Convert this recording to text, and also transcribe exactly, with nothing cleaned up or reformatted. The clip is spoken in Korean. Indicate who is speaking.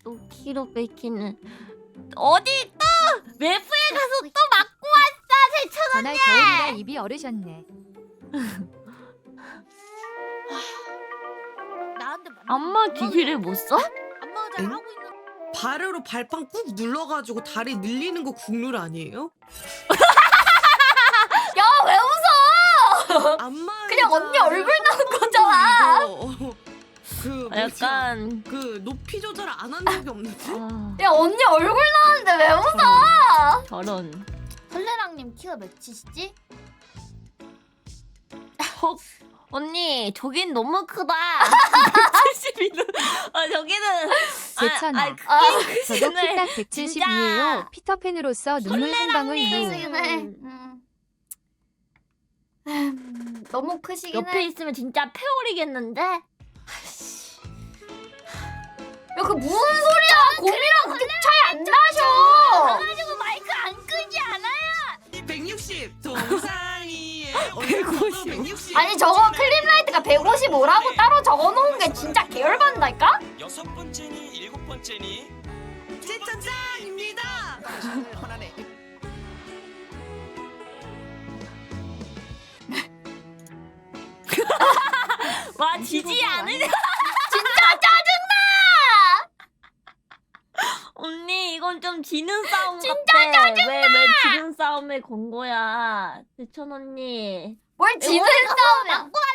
Speaker 1: 또 키로 뺏기는 어디 또 외부에 가서 또 맞고 왔어 세천
Speaker 2: 전날 겨울이라 입이 얼으셨네.
Speaker 3: 나한테
Speaker 1: 안마 기기를 못 써?
Speaker 3: 안마가 잘
Speaker 4: 응?
Speaker 3: 하고 있는.
Speaker 4: 발으로 발판 꾹 눌러가지고 다리 늘리는 거 국룰 아니에요?
Speaker 1: 야 왜 웃어?
Speaker 4: 안마
Speaker 1: 그냥 언니 얼굴 나온 거잖아.
Speaker 4: 그 뭐지?
Speaker 1: 약간
Speaker 4: 그 높이 조절 안 한 적이 없는데?
Speaker 1: 아,
Speaker 5: 야 언니 얼굴 나왔는데 왜 웃어?
Speaker 1: 저런
Speaker 3: 설레랑님 키가 몇이시지?
Speaker 1: 헉 언니 저긴 너무 크다. 백칠십이는 아 저기는
Speaker 2: 제천아.
Speaker 1: 아, 아, 크긴
Speaker 2: 저도
Speaker 1: 크시네.
Speaker 2: 키 딱 백칠십이에요. 피터팬으로서 눈물 한 방울 유.
Speaker 5: 크시긴 해. 음. 음, 너무 크시긴
Speaker 1: 옆에
Speaker 5: 해.
Speaker 1: 있으면 진짜 패오리겠는데?
Speaker 5: 야 그 무슨 소리야? 곰이랑 그렇게 차이 안 나셔.
Speaker 3: 가지고 마이크 안 끄지 않아요?
Speaker 4: 백육십 정상이에
Speaker 1: 백오십.
Speaker 4: 백육십.
Speaker 5: 아니 저거 클립라이트가 백오십오라고 따로 적어놓은 게 진짜 계열받는다니까?
Speaker 6: 여섯 번째니 일곱 번째니
Speaker 4: 제천장입니다.
Speaker 1: 와 지지 않으냐?
Speaker 5: 진짜 짜증나!
Speaker 1: 언니 이건 좀 지는 싸움 진짜 같아. 짜증나! 왜왜 지는 싸움에 건 거야? 대천 언니.
Speaker 5: 뭘 지는 싸움이야?